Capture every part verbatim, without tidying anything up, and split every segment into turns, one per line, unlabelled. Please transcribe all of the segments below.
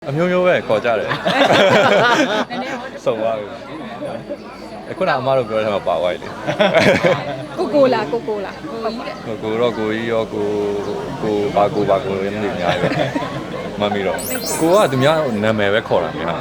အမျိုးမျိုးပဲခေါ်ကြတယ်စုံသွားပြီအခုနအမတို့ပြောတဲ့မှာပါသွားပြီ
ကိုကိုလားကိုကိုလားဟုတ်ကဲ့
ကိုကိုတော့ကိုကြီးရောကိုကိုဘာကိုဘာကိုရင်းနေအများကြီးပဲမမီတော့ကိုကသူများနာမည်ပဲခေါ်တာများ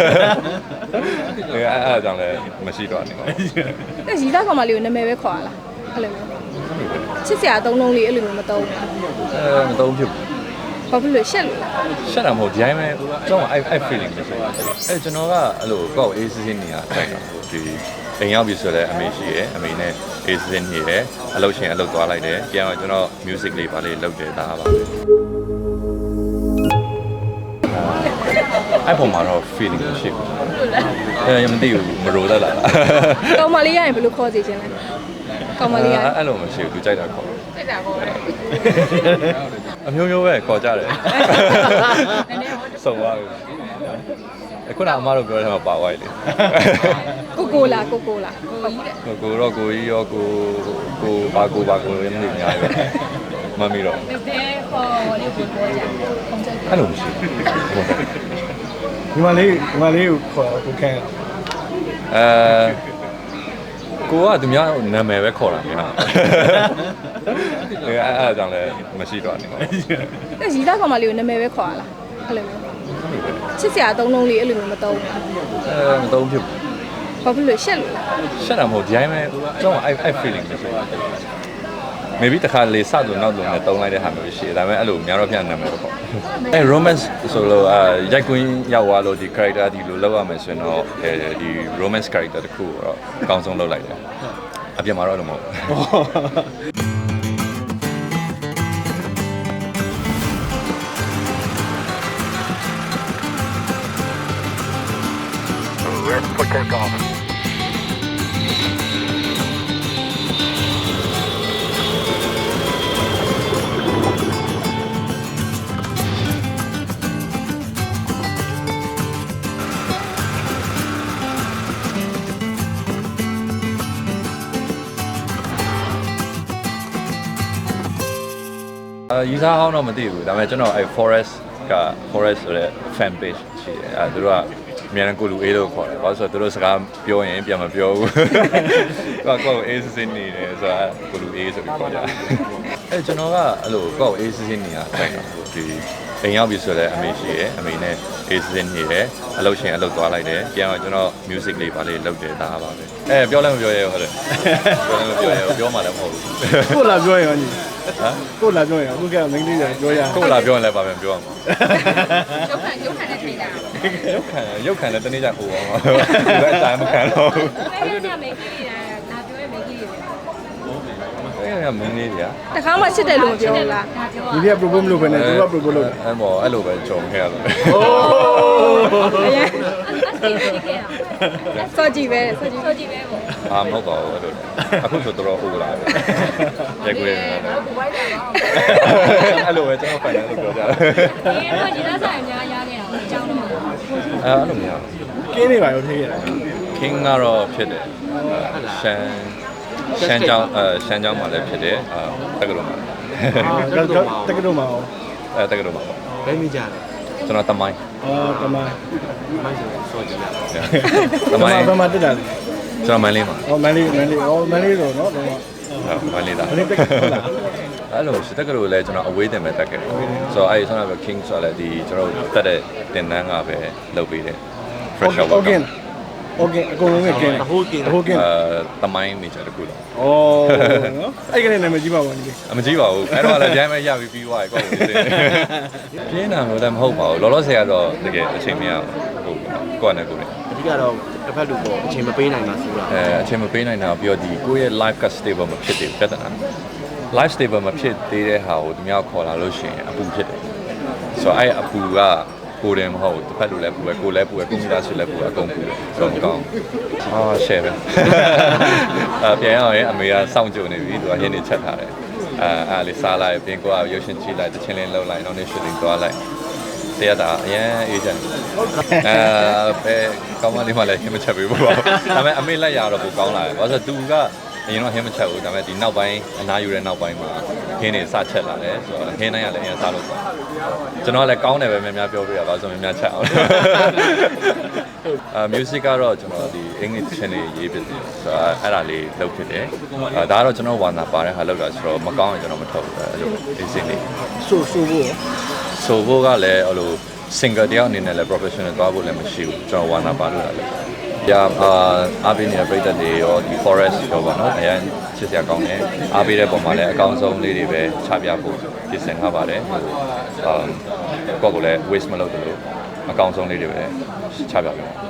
အဲအဲ့အကြောင်းလည်းမရှိတော့နေပါဘူး
အဲ့ရီသားကောင်မလေးကိုနာမည်ပဲခေါ်ရလားအဲ့လိုမျိုးချစ်စရာအသုံးလုံးလေးအဲ့လိုမျိုးမသုံးဘူး
အဲမသုံးဖြစ်ဘူး
ဘာဖြစ်လို့ရှက်လို့
ရှက်တာမဟုတ်ဒီတိုင်းပဲကျွန်တော်အဲ့အဲ့ feeling ပဲဆိုအဲကျွန်တော်ကအဲ့လိုကောက်အေးစစ်စစ်နေရတိုက်တာဒီအိမ်ရောက်ပြီဆိုတော့အမေရှိရယ်အမေနဲ့အေးစစ်စစ်နေတယ်အလုပ်ရှင်အလုပ်သွားလိုက်တယ်ပြန်တော့ကျွန်တော် music လေးပါလေးလုပ်တယ်ဒါပါပဲအဲ့ပုံမှာတော့ feeling ရှိဘူးအဲရမသိဘူးမရိုးတတ်လား
ကောင်မလေးရရင်ဘယ်လိုခေါ်စီခြင်းလဲကောင်မလေးရ
အဲ့လိုမရှိဘူးသူကြိုက်တာခေါ်ကြိုက်တာခေါ်အမျိုးမျိုးပဲခေါ်ကြတယ်စုံသွားပြီအခုနအမတို့ပြောတဲ့မှာပါသွားပြီ
ကိုကိုလားကိုကိုလားဟုတ်ကဲ့
ကိုကိုတော့ကိုကြီးရောကိုကိုဘာကိုဘာကိုရင်းနေအများကြီးပဲမမီတော့
တဲခေါ်လေးကိုပြောကြ
အဲ့လိုမရှိဘူး
ဒီမလေးဒီမလေးကိုခေါ်ကိုခန့်
အဲကိုကသူများနာမည်ပဲခေါ်တာများအဲအဲ့အကြောင်းလည်းမရှိတော့နေပါဘူး
အဲ့ရီသားကောင်မလေးကိုနာမည်ပဲခေါ်ရလားအဲ့လိုမျိုးချစ်စရာအသုံးလုံးလေးအဲ့လိုမျိုးမသုံးဘူး
အဲမသုံးဖြစ်ဘူး
ဘာဖြစ်လို့ရှက်လို့
ရှက်တာမဟုတ်ဒီတိုင်းပဲကျွန်တော်အဲ့အဲ့ feeling ပဲဆို maybe တခါလေစလို့နောက်လို့နဲ့တုံးလိုက်တဲ့ဟာမျိုးရှိတယ်ဒါပေမဲ့အဲ့လိုများတော့ပြန်နာမည်ပဲပေါ့အဲ romance ဆိုလို့အာရိုက်ကွင်းရောက်သွားလို့ဒီ character ဒီလိုလောက်ရမယ်ဆိုရင်တော့အဲဒီ romance character တခုတော့အကောင်းဆုံးလုပ်လိုက်တယ်အပြင်မှာတော့လည်းမဟုတ်အာယူဆဟောင်းတော့မသိဘူးဒါပေမဲ့ကျွန်တော်အဲ forest က forest ဆိုတဲ့ fan page ရှိတယ်အဲသူတို့ကအများနဲ့ကိုလူအေးလို့ခေါ်တယ်ဘာလို့ဆိုတော့သူတို့စကားပြောရင်ပြန်မပြောဘူးကိုကကိုအေးစစ်စစ်နေတယ်ဆိုတာကိုလူအေးဆိုပြီးခေါ်ကြအဲကျွန်တော်ကအဲ့လိုကိုအေးစစ်စစ်နေတာတိုက်တာဒီအိမ်ရောက်ပြီဆိုတော့အမေရှိရယ်အမေနဲ့အေးစစ်စစ်နေတယ်အလုပ်ရှင်အလုပ်သွားလိုက်တယ်ပြန်တော့ကျွန်တော် music လေးပါလေးလုပ်တယ်ဒါပါပဲအဲပြောလည်းမပြောရဲဘူးဟုတ်တယ်ပြောလည်းမပြောရဲဘူးပြောမှလည်းမဟုတ်ဘူး
ကိုလာပြောရင်ဟမ်ကိုလာပြောရင်အခုကမင်းလေးပြောရ
ကိုလာပြောရင်လည်းပါပြန်ပြောရမှာ
ရုပ်ခံရုပ်ခံနဲ့ထိတာ
ရုပ်ခံရုပ်ခံနဲ့တနေ့ကျဟိုအောင်ပါဘယ်အတိုင်းမခံတော့ဘူး
အဲ့ဒါမိန်းကလေးတွေကငါပြောရဲ့မိန်းကလေးတွေ
အဲ့ဒါမင်းလေးတွေက
တခါမှချစ်တယ်လို့မပြောဘူးလား
ဒီက propose မလုပ်ဘဲနဲ့သူက propose လုပ်တယ်
အဲ့မော်အဲ့လိုပဲကြုံခဲ့ရတယ်
အိုး
အရင်စောကြည့်ပဲစောကြည့်စောကြည့်ပဲပေါ့
အာမဟုတ်ပါဘူးအဲ့လိုအခုဆိုတော်တော်ဟိုလာတယ်ရိုက်ခွေးနေတယ်အဲ့လိုပဲကျွန်တော်ဖိုင်တယ်လို့ပြောကြတယ်
ဒီတော့ဒီသားဆိုင်အများရခဲ့တာအကြောင်းတော့
အဲ့လိုမျိုး
ကင်းနေပါရောထိခဲ့ရတယ်
king ကတော့ဖြစ်တယ်ရှမ်းရှမ်းကြောင်းအဲရှမ်းကြောင်းမှာလည်းဖြစ်တယ်အာတက္ကသိုလ်မှာ
တက္ကသိုလ်မှာတက္ကသိုလ်မှာ
အဲတက္ကသိုလ်မှာပေါ့
ဘယ်မိကြလဲ
ကျွန်တော်တမိုင်း
အော်တမိုင်း
မိုင်းဆိုစောကြည့်ရ
တမိုင်းဘယ်မှာတက်တာလဲ
ကျွန်တော်မန်လေးမှာ
အော်မန်လေးမန်လေးအော်မန်လေးဆိုတော့တော့
မန်လေးသား
မန်လေးတက်ဟုတ်လား
အဲ့လိုစတက်ကလို့လဲကျွန်တော်အဝေးတင်မဲ့တက်ခဲ့တယ်ဆိုတော့အဲ့ဆိုတော့ king ဆိုလည်းဒီကျွန်တော်တက်တဲ့တင်တန်းကပဲလုပ်ပေးတယ်
fresh out ဟုတ်ကဲ့ဟုတ်ကဲ့အကုန်လုံးကကင်းတယ်
ဟိုကင်းဟိုကင်းအဲတမိုင်းနေကြတခုလား
ဩနော်အဲ့ကလေးနာမည်ကြီးပါဘူးဒီ
အမကြီးပါဘူးအဲ့တော့လည်းကြိုင်းမဲ့ရပြီးပြီးသွားပြီကောက်ကိုသိပြင်းတာလို့လည်းမဟုတ်ပါဘူးလောလောဆယ်ကတော့တကယ်အချိန်မရဘူးကိုယ့်နဲ့ကိုယ်နဲ့
အဓိကတော့တစ်ဖက်လူပေါ့အချိန်မပေးနိုင်ပါဘူးလား
အဲအချိန်မပေးနိုင်တာပြီးတော့ဒီကိုယ့်ရဲ့ live က stable မဖြစ်သေးဘူးပြဿနာ live stable မဖြစ်သေးတဲ့ဟာကိုသူများခေါ်လာလို့ရှိရင်အပူဖြစ်တယ်ဆိုတော့အဲ့အပူကကိုယ်တယ်မဟုတ်တစ်ဖက်လူလည်းပူပဲကိုယ်လည်းပူပဲကွန်ပျူတာဆွဲလည်းပူအကုန်ပူတယ်ဆိုတော့မကောင်းအာ share ပဲအပြန်ရအောင်ရင်အမေကစောင့်ကြိုနေပြီသူကဟင်းနေချက်ထားတယ်အဲအားလေးစားလိုက်ပြင်ကိုကရုပ်ရှင်ကြည့်လိုက်တချင်းလေးလှုပ်လိုက်နောက်နေ့ shooting သွားလိုက်တရားတာအရင်အေးချမ်းအဲပဲကောင်းမလေးမှလည်းဟင်းမချက်ပေးဘူးပေါ့ဒါပေမဲ့အမေလက်ရတော့ပိုကောင်းလာတယ်ဘာလို့ဆိုတော့သူကအရင်တော့ဟင်းမချက်ဘူးဒါပေမဲ့ဒီနောက်ပိုင်းအနားယူတဲ့နောက်ပိုင်းမှာဟင်းတွေစချက်လာတယ်ဆိုတော့ဟင်းတိုင်းကလည်းအရင်စားလို့ပေါ့ကျွန်တော်ကလည်းကောင်းတယ်ပဲများများပြောပြရပါဆိုများများချက်အောင်အာ music ကတော့ကျွန်တော်ဒီအင်္ဂလိပ်ချင်းလေးရေးဖြစ်တယ်ဆိုတော့အဲ့ဒါလေးလုပ်ဖြစ်တယ်အာဒါကတော့ကျွန်တော်ဝါနာပါတဲ့ဟာလောက်တာဆိုတော့မကောင်းရင်ကျွန်တော်မထုတ်ဘူးအဲ့လိုအစင်းလေး
ဆိုဆိုဖို့
ဆိုဖို့ကလည်းအဲ့လို singer တယောက်အနေနဲ့လည်း professional သွားဖို့လည်းမရှိဘူးကျွန်တော်ဝါနာပါလို့လည်း။ညာအာအားပေးနေတဲ့ပြည်သက်တွေရောဒီ forest ရောပေါ့နော်။အရင်ချစ်စရာကောင်းတယ်။အားပေးတဲ့ပုံမှာလည်းအကောင်းဆုံးလေးတွေပဲချပြဖို့ပြင်ဆင်ထားပါတယ်။အာကိုယ့်ကိုလည်း waste မလုပ်သလိုအကောင်းဆုံးလေးတွေပဲချပြပါမယ်